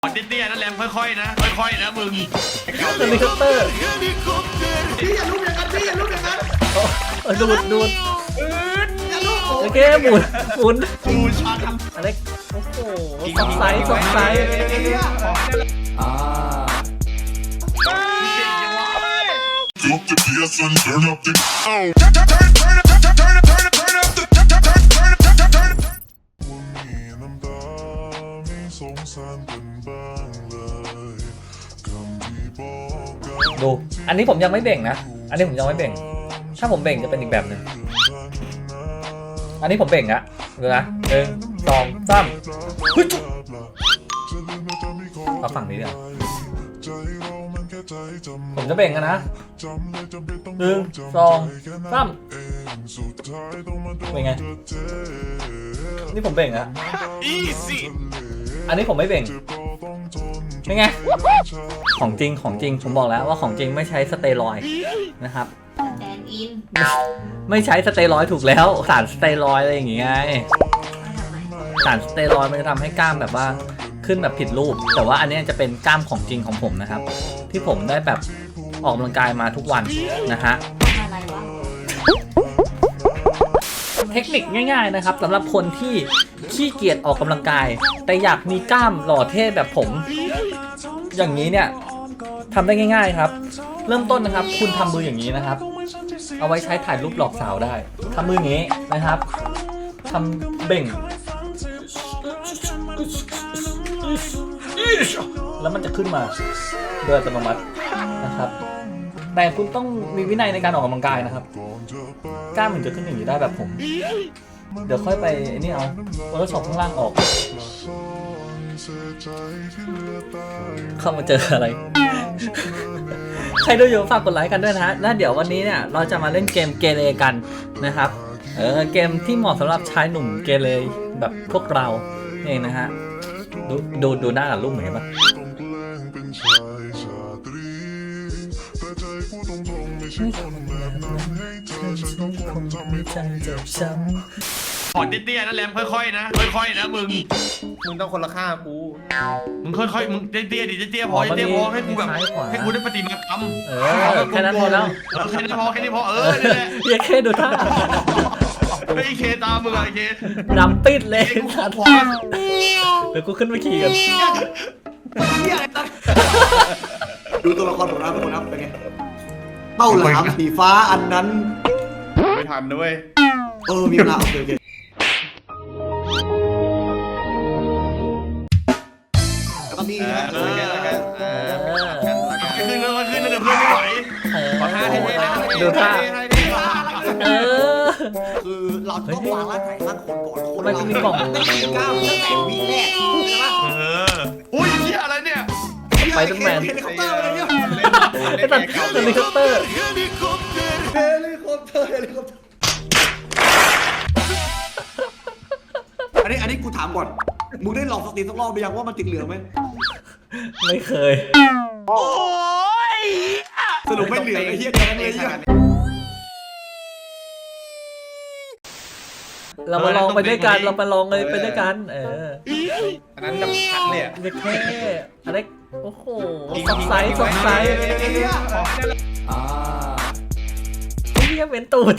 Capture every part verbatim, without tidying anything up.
เตี้ยๆนั่นแหละค่อยๆนะค่อยๆนะมึงเฮลิคอปเตอร์พี่อย่าลุกอย่างนั้นพี่อย่าลุกอย่างนั้นดูดดูดอย่าลุกโอเคหมุนหมุนดูชันอะไรโอ้โหสองไซส์สองไซส์อ่า Drop the bass and turn up the oh. ดูอันนี้ผมยังไม่เบ่งนะอันนี้ผมยังไม่เบ่งถ้าผมเบ่งจะเป็นอีกแบบหนึ่งอันนี้ผมเบ่งอะดูนะหนึ่งสองสามฮึจุ๊บเอาฝั่งนี้เดี๋ยวผมจะเบ่งกันนะหนึ่งสองสามเป็นไงนี่ผมเบ่งอะอีซี่อันนี้ผมไม่เบ่งเป็นไงของจริงของจริงผมบอกแล้วว่าของจริงไม่ใช้สเตียรอยด์นะครับแดนอินไม่ใช้สเตียรอยด์ถูกแล้วสารสเตียรอยด์อะไรอย่างเงี้ยสารสเตียรอยด์มันจะทำให้กล้ามแบบว่าขึ้นแบบผิดรูปแต่ว่าอันนี้จะเป็นกล้ามของจริงของผมนะครับที่ผมได้แบบออกกำลังกายมาทุกวันนะฮะอะไรวะเทคนิคง่ายๆนะครับสำหรับคนที่ขี้เกียจออกกำลังกายแต่อยากมีกล้ามหล่อเท่แบบผมอย่างนี้เนี่ยทำได้ง่ายๆครับเริ่มต้นนะครับคุณทำมืออย่างนี้นะครับเอาไว้ใช้ถ่ายรูปหลอกสาวได้ทำมืออย่างนี้นะครับทำเบ่งแล้วมันจะขึ้นมาโดยอัตโนมัตินะครับแต่คุณต้องมีวินัยในการออกกำลังกายนะครับกล้ามมันจะขึ้นอย่างนี้ได้แบบผมเดี๋ยวค่อยไปนี่เอาโฟโต้ช็อปข้างล่างออกเข้ามาเจออะไร ใครดูอยู่ฝากกดไลค์กันด้วยนะฮะแล้วเดี๋ยววันนี้เนี่ยเราจะมาเล่นเกมเกเรกันนะครับเออเกมที่เหมาะสำหรับชายหนุ่มเกเรแบบพวกเราเองนะฮะดูดูดูหน้ากับรูปเหมือนกันปะขอเตี้ยๆนั่นแหละค่อยๆนะค่อยๆนะมึงมึงต้องคนละค่ากูมึงค่อยๆมึงเตี้ยๆดิเตี้ยๆพอเตี้ยๆพอให้กูแบบให้กูได้ปฏิมากรรมเออแค่นั้นพอแล้วแค่นี้พอแค่นี้พอเออนี่แหละอย่าแค่ดูท่าไอ้เคตามมึงไอ้เคดำปิดเลยกูขอพอเดี๋ยวกูขึ้นไปขี่กันดูตัวละครของเราทุกคนครับเป็นไงเป้าหลามสีฟ้าอันนั้นไม่ทันด้วยเออมีเวลาโอเคโอเคแล้วก็มีนะเออขึ้นแล้วขึ้นแล้วเดี๋ยวเพื่อนไม่ไหวเออขอท่าให้ได้นะดูท่าเออคือเราต้องวางร่างกายร่างคนก่อนคนมันจะมีกล่องตั้งแต่ก้าวตั้งแต่วีแรกใช่ปะเอออุ้ยเหี้ยอะไรเนี่ยไปตั้งแมนเฮลิคอปเตอร์อะไรเนี่ยไอ้ตัดเฮลิคอปเตอร์เฮลิคอปเตอร์เฮลิคอปเตอร์เฮลิคอปเตอร์อันนี้อันนี้กูถามก่อนมึงได้ลองสตรีมสักรอบไปยังว่ามันติดเหลืองไหมไม่เคยโอ้ยสรุปไม่เหลืองไอ้เหี้ยเดียวกันเลยเหี้ยเรามาลองไปด้วยกันเราไปลองเลยไปด้วยกันเอออันนั้นแบบชัดเลยอ่ะเด็กแค่อะไรโอ้โหสองไซส์สองไซส์อ่าไอ้เหี้ยเป็นตูด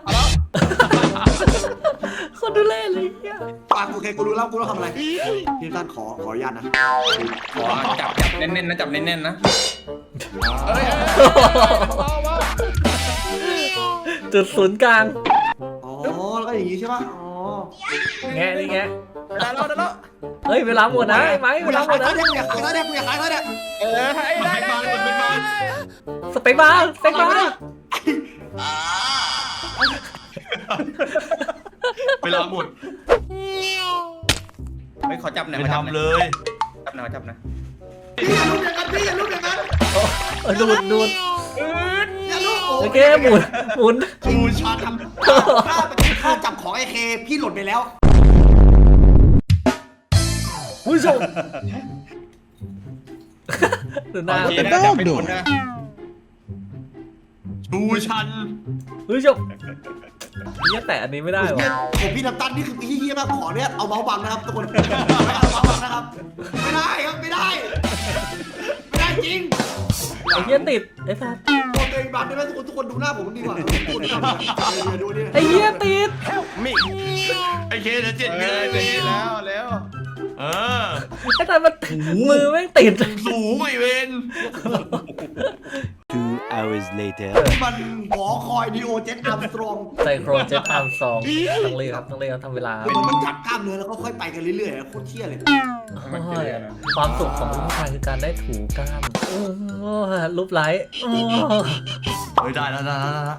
คนดูเล่นเลยเหี้ยปากโอเคกูรู้แล้วกูต้องทำอะไรพี่ท่านขอขออนุญาตนะขอจับจับแน่นๆนะจับแน่นๆนะเอ้ยจุดศูนย์กลางอ๋อแล้วก็อย่างงี้ใช่ป่ะอ๋อแงะนี่แงะได้แล้วได้แล้วเฮ้ยเวลาหมดนะไอ้ไม้กูเวอยาลาก หมขายดท่านะเด็กกูอยากขายท่าเด็กกูอยากขายท่าเด็กเออให้ได้ได้ได้สเปคบาร์สเปคบาร์เวลาหมดไม่ขอจับหน่อยไปขอจับหน่ทำเลอยยจับหน่อยจับหน่อยพี่อย่าลุกอย่างนั้นพี่อย่าลุกอย่างนั้นเออดูดดูดอย่าลุกโอเคหมุนหมุนดูชันถ้าเป็นข้าจับของไอเคพี่หล่นไปแล้วผู้ชมดูหน้าโอเคนะจับไม่โดนนะดูชันผู้ชมเนี่ยแต่อันนี้ไม่ได้หรอผมพี่น้ำตาลนี่คือพี่เฮี้ยมากขอเนี่ยเอาเมาส์บังนะครับทุกคนนะครับไม่ได้ครับไม่ได้ไม่ได้จริงไอ้เหี้ยติดไอ้สัสโอเคบัตรได้ไหมทุกคนทุกคนดูหน้าผมดีกว่าทุกคนดูหน้าผมดูนี่ไอ้เหี้ยติดไอ้เคเดี๋ยวเจ็ดเอเดืออน ดีแล้วแล้วเออไอ้สัสมันมือแม่งติดสูงไอเวน Two hours later. มันหอคอยดีโอเจ็ตอัมสตรองไซโครเจ็ตอาร์มสองต้องเรียกครับต้องเรียกครับทำเวลามันจับกล้ามเนื้อแล้วก็ค่อยไปกันเรื่อยๆโคตรเที่ยเลยโอ้ยความสุขของผู้ชายคือการได้ถูกล้ามโอ้ยรูปไลท์โอ้ยเฮ้ยได้แล้วได้แล้วได้แล้ว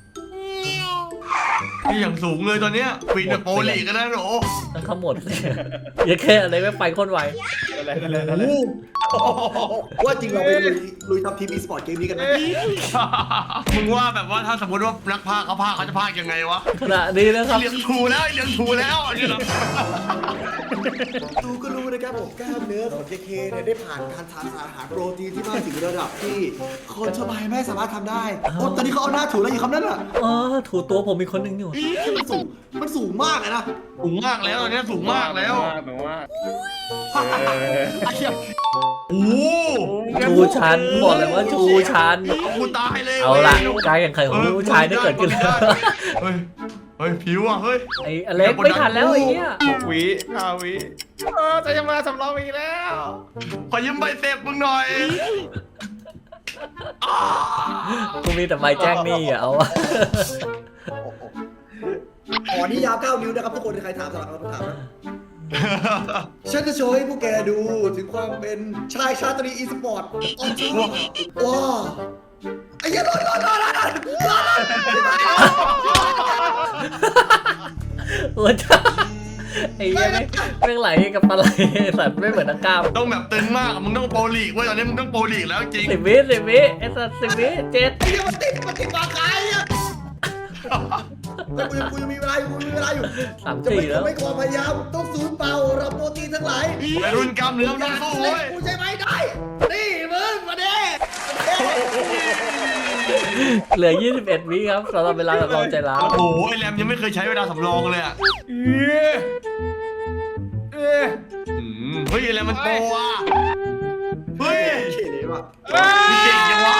นี่อย่างสูงเลยตอนเนี้ยปีนแบบโปรลีกกันนะโหต้องขมวดสิอย่าแค่อะไรไม่ไปโคนไวอะไรอะไรอะไรว่าจริงเราไปลุยลุยทำทีมอีสปอร์ตเกมนี้กันไหมมึงว่าแบบว่าถ้าสมมติว่านักพากย์เขาพากย์เขาจะพากย์ยังไงวะขณะนี้นะครับเลี้ยงถูแล้วเลี้ยงถูแล้วอันนี้เหรอดูก็รู้นะครับผมกล้ามเนื้อของ เค เค เนี่ยได้ผ่านการทานสารอาหารโปรตีนที่มากถึงระดับที่คนทั่วไปไม่สามารถทำได้โอ้ตอนนี้เขาเอาหน้าถูแล้วอยู่คำนั้นอ่ะเออถูตัวผมมีคนหนึ่งอยู่มันสูงมันสูงมากเลยนะสูงมากแล้วตอนนี้สูงมากแล้วแบบว่าไอ้เหี้ยโอ้โหชูชันบอกเลยว่าชูชันเอากูตายเลยเอาละการแข่งขันของผู้ชายได้เกิดขึ้นแล้วเฮ้ยเฮ้ยผิวอ่ะเฮ้ยไอ้อเล็กไม่ทันแล้วไอ้เหี้ยวิห้าวิเออจะยังมาสำรองอีกแล้วขอยืมใบเสพมึงหน่อยกูมีแต่ใบแจ้งหนี้อ่ะเอาวะอ๋อนี่ยาวเก้านิ้วนะครับทุกคนใครถามสำหรับคำถามนะฉันจะโชว์ให้พวกแกดูถึงความเป็นชายชาตรีอีสปอร์ตออนทัวร์ว้าไอ้เหี้ยรอดรอดรอดรอดรอดโอ้จ้าไอ้เหี้ยไม่ไม่ไหลกับปลาไหลสัตว์ไม่เหมือนนักกล้ามต้องแบบตึงมากอะมึงต้องโปรลีกเว้ยตอนนี้มึงต้องโปรลีกแล้วจริงสิบวิสิบวิไอ้สัตว์สิบวิเจ็ดไอ้เหี้ยมันติดมันติดปากกายอ่ะแต่กูยังกูยังมีเวลาอยู่กูมีเวลาอยู่สามจะสี่ไม่แล้วไม่ขอพยายามต้องสูญเปล่ารับโปรตีนทั้งหลายวัยรุ่นกล้ามเนื้อมันต้องสู้เว้ยกูใช่ไหมได้นี่มึงมาเด้เหลือยี่สิบเอ็ดวิครับสำหรับเวลาแบบเราใจร้าวโอ้โหไอแรมยังไม่เคยใช้เวลาสำรองเลยอ่ะเออเอออืมเฮ้ยไอแรมมันโปรอ่ะเฮ้ยเขียนเลยว่ะมึงเก่งจังวะ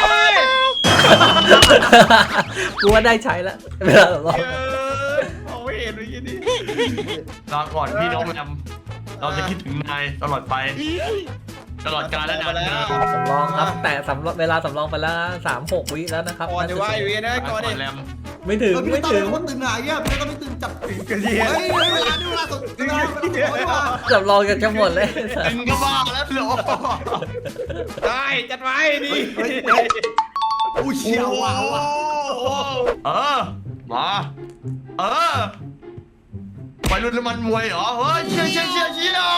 กูว่าได้ใช้แล้วเวลาแบบเราเออเอาไม่เห็นเลยยี่นี่ลาก่อนพี่น้องแรมเราจะคิดถึงนายตลอดไป ตลอดกาลและนานเธอสำรองครับแต่สำรองเวลาสำรองไปแล้วสามหกวิแล้วนะครับก่อนจะว่าอยู่ยังนะก่อนดิแรมไม่ถึงเออพี่ไม่ต้องถึเป็งนคนตื่นหน่ายอ่ะพี่ต้องไม่ตื่นจับกระเทียเฮ้ยเวลาดูเวลาสดเวลาเวลาเวลาสำรองกันจะหมดเลยตึงก็บ้าแล้วเหรอได้จัดไว้ดิเฮ้ยอุ้ยเชียวว่ะว่ะเออมาเออไปรุ่นน้ำมันมวยเหรอเฮ้ยเชี่ยเชี่ยเชี่ยเชี่ย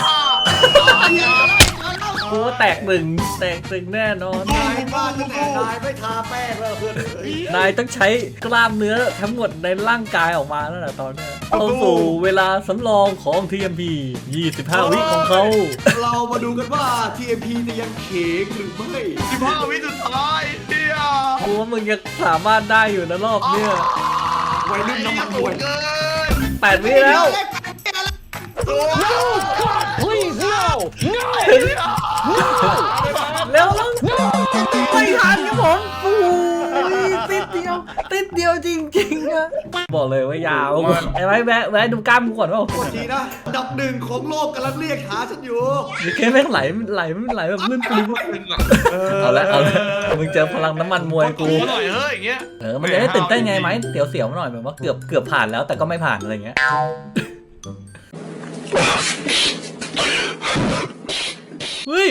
กูว่าแตกหนึ่งแตกหนึ่งแน่นอนนายบ้านตั้งแต่นายไม่ทาแป้งแล้วเพื่อนเอ้ยนายต้องใช้กล้ามเนื้อทั้งหมดในร่างกายออกมาแล้วนะตอนเนี้ยเข้าสู่เวลาสำรองของ ที เอ็ม พี ยี่สิบห้า วิของเขาเรามาดูกันว่า ที เอ็ม พี จะยังเขงหรือไม่สิบห้าวิสุดท้ายเฮียกูว่ามึงยังสามารถได้อยู่นะรอบเนี้ยวัยรุ่นน้ำมันมวยเกินแปดวิแล้วโอ้โหถึงเร็วแล้วไม่ทันครับผมโอ้ยติดเดียวติดเดียวจริงๆอะบอกเลยว่ายาวไอ้ไว้แวะแวะดูกล้ามกูก่อนว่าโทษทีนะอันดับหนึ่งของโลกกำลังเรียกหาฉันอยู่มีแค่แม่งไหลไหลไม่ไหลแบบลื่นปลิ้วเอาละเอาละมึงเจอพลังน้ำมันมวยกูหน่อยเฮ้ยอย่างเงี้ยเออมันจะได้ตื่นเต้นไงไหมเสียวๆหน่อยแบบว่าเกือบเกือบผ่านแล้วแต่ก็ไม่ผ่านอะไรเงี้ยเฮ้ย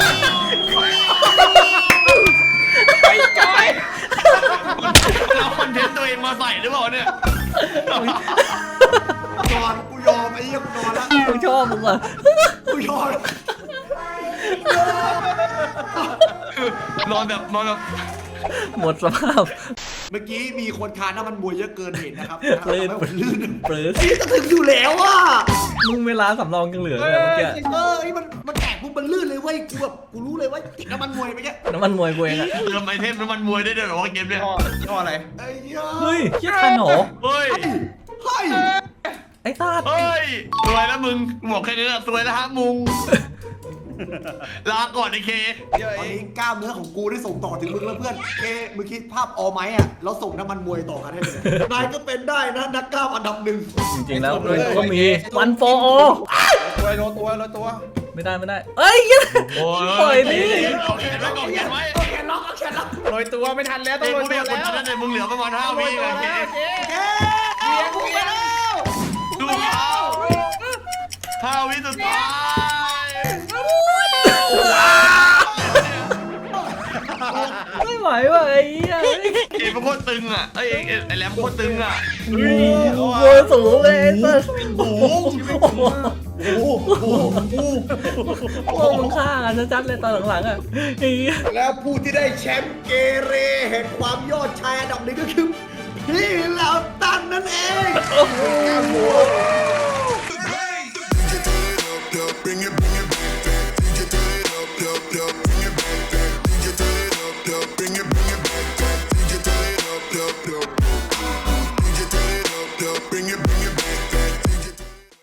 ไปจอยเราคอนเทนต์ตัวเองมาใส่หรือเปล่าเนี่ยนอนกูยอมไอ้เหี้ยกูนอนละกูชอบมึงว่ะกูยอมนอนแบบนอนแบบหมดสภาพเมื่อกี้มีคนทานน้ำมันมวยเยอะเกินเหตุนะครับลื่นทำให้ผมลื่นเปลือนี่จะถึงอยู่แล้วอ่ะมึงเวลาสำรองยังเหลือเลยเมื่อกี้เออไอ้มันมันแตกปุ๊บมันลื่นเลยเว้ยกูแบบกูรู้เลยว่าติดน้ำมันมวยไปแค่น้ำมันมวยกูเองอะเติมไอเทมน้ำมันมวยได้ด้วยเหรอวะเกมเนี่ยย่ออะไรไอ้เหี้ยเฮ้ยเชี่ยทันเหรอเฮ้ยเฮ้ยไออ้สัตว์เฮ้ยสวยแล้วมึงบอกแค่นี้แหละสวยแล้วฮะมุงลาก่อนไอ้เคเดี๋ยวตอเอน งนี้กล้ามเนื้อของกูได้ส่งต่อถึงมึงแล้วเพื่อนเอ้มึงคิดภาพออไหมอ่ะแล้วส่งน้ำมันมวยต่อกันให้เลยนายก็เป็นได้นะนักกล้ามอันดับหนึ่งจริงๆแล้วมันก็มีวันโฟโอตัวโลตัวโลตัวไม่ได้ไม่ได้เอ้ยโอ้ปล่อยดิเอาแขนไว้ก่อนแขนไว้เอาแขนล็อกเอาแขนล็อกโรยตัวไม่ทันแล้วต้อเอ้งยโรกูยไม่ตัวอยากกดแล้วดันเลยมึงเหลือประมาณห้าโรวิยตัวไงแล้วเคเจ๊เอ้กูไปแล้วดูเขาห้าวิสุดท้ายไม่ไหวว่ะไอ้เหี้ยเอ็มมันโคตรตึงอ่ะไอ้เอ็มไอ้แรมโคตรตึงอ่ะโอ้โหสูงเลยไอ้สัสโอ้โหโอ้โหโอ้โหโอ้โหมึงฆ่ากันชัดๆเลยตอนหลังๆอ่ะไอ้เหี้ยแล้วผู้ที่ได้แชมป์เกเรแห่งความยอดชายอันดับหนึ่งก็คือพี่เหล่าตันนั่นเอง Bring it, bring it back, back. D J turn it up, up, up. Bring it back, back. D J turn it up, up. Bring it, bring it back, back. D J turn it up, up, up.